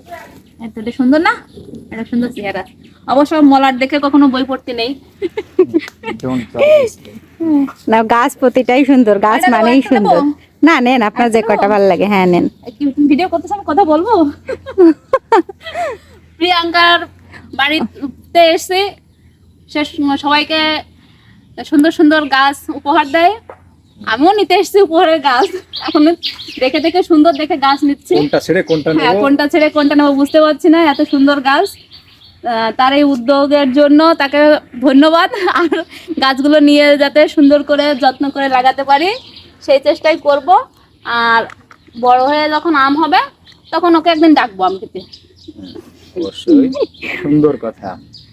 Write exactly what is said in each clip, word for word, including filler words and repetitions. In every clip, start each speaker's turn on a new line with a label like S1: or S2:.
S1: এটা সুন্দর না? এটা সুন্দর চেহারা। অবশ্য মলার দেখে কখনো বই পড়তে নেই।
S2: না, গাছ প্রতিটাই সুন্দর, গাছ মানেই সুন্দর। না নেন, আপনার যে কয়টা ভালো লাগে। হ্যাঁ নেন।
S1: ভিডিও করতে সময় কথা বলবো। প্রিয়াঙ্কার বাড়িতে এসে সে সবাইকে সুন্দর সুন্দর গাছ উপহার দেয়, আমিও নিতে এসেছি উপহারের গাছ। এখন দেখে দেখে সুন্দর দেখে গাছ নিচ্ছি,
S3: কোনটা ছেড়ে কোনটা
S1: হ্যাঁ
S3: নেব
S1: কোনটা ছেড়ে কোনটা নেবো বুঝতে পারছি না। এত সুন্দর গাছ, আহ, তার এই উদ্যোগের জন্য তাকে ধন্যবাদ। আর গাছগুলো নিয়ে যাতে সুন্দর করে যত্ন করে লাগাতে পারি সেই চেষ্টাই করব। আর বড় হয়ে যখন আম হবে তখন ওকে একদিন ডাকবো আম খেতে।
S3: অবশ্যই, সুন্দর কথা।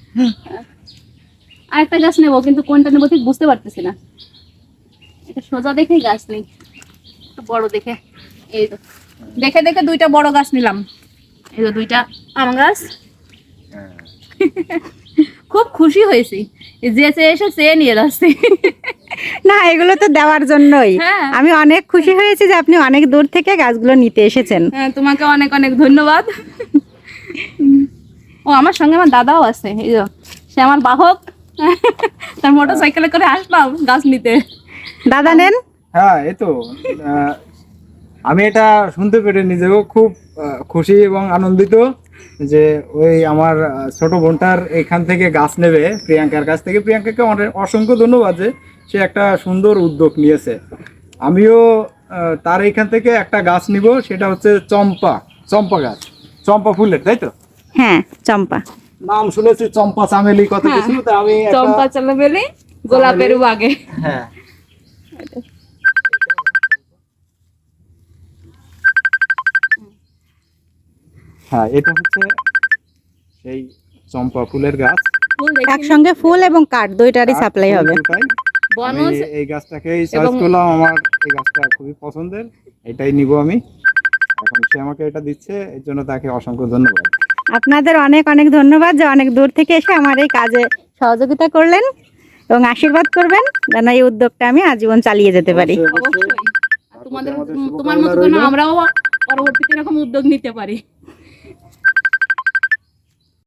S1: আরেকটা গাছ নেবো, কিন্তু কোনটা নেবো ঠিক বুঝতে পারতেছি না। এটা সোজা দেখেই গাছ নেই, একটু বড় দেখে। এই তো দেখে দেখে দুইটা বড় গাছ নিলাম। এই তো দুইটা আম গাছ। খুব খুশি হয়েছি, যে চেয়ে এসে চেয়ে নিয়ে যাচ্ছি।
S2: না, এগুলো তো দেওয়ার জন্যই।
S1: হ্যাঁ।
S2: আমি অনেক খুশি হয়েছি যে আপনি অনেক দূর থেকে গাছগুলো নিতে এসেছেন।
S1: হ্যাঁ, তোমাকে অনেক অনেক ধন্যবাদ। ও আমার সঙ্গে আমার দাদাও আছে, এই যে সে আমার বাহক। তার মোটর সাইকেলে করে আসলাম গাছ নিতে।
S2: দাদা নেন।
S3: হ্যাঁ, এই তো আহ, আমি এটা শুনতে পেরে নিজেও খুব আহ, খুশি এবং আনন্দিত যে ওই আমার আহ, ছোট বোনটার এখান থেকে গাছ নেবে প্রিয়াঙ্কার কাছ থেকে। প্রিয়াঙ্কাকে অনেক অসংখ্য ধন্যবাদ যে সে একটা সুন্দর উদ্যোগ নিয়েছে। আমিও আহ, তার এখান থেকে একটা গাছ নিব, সেটা হচ্ছে চম্পা চম্পা গাছ, চম্পা ফুলের, তাই তো?
S2: হ্যাঁ, চম্পা।
S3: নাম শুনেছি চম্পা চামেলি কত কিছু, তা আমি একটা-
S1: চম্পা চামেলি, গোলাপের বাগে।
S3: হ্যাঁ হ্যাঁ, এটা হচ্ছে সেই চম্পা ফুলের গাছ।
S1: ফুল দেখি
S2: একসঙ্গে ফুল এবং কাঠ দুইটারই সাপ্লাই হবে।
S3: দুটাই। আমি
S1: বনজ
S3: এই গাছটাকেই চয়েস
S1: এবং-
S3: করলাম, আমার এই গাছটা খুবই পছন্দের, এটাই নিব আমি। এখন সে আমাকে এটা দিচ্ছে, এর জন্য তাকে অসংখ্য ধন্যবাদ।
S2: আপনাদের অনেক অনেক ধন্যবাদ যে অনেক দূর থেকে এসে আমার এই কাজে সহযোগিতা করলেন এবং আশীর্বাদ করবেন যেন এই উদ্যোগটা আমি আজীবন চালিয়ে যেতে পারি।
S3: অবশ্যই, অবশ্যই।
S1: অবশ্যই। আর তোমাদের
S3: আমাদের
S1: তোমার
S3: শুভকামনা
S1: মতো যেন
S3: রইলো।
S1: আমরাও পরবর্তীতে এরকম উদ্যোগ নিতে পারি।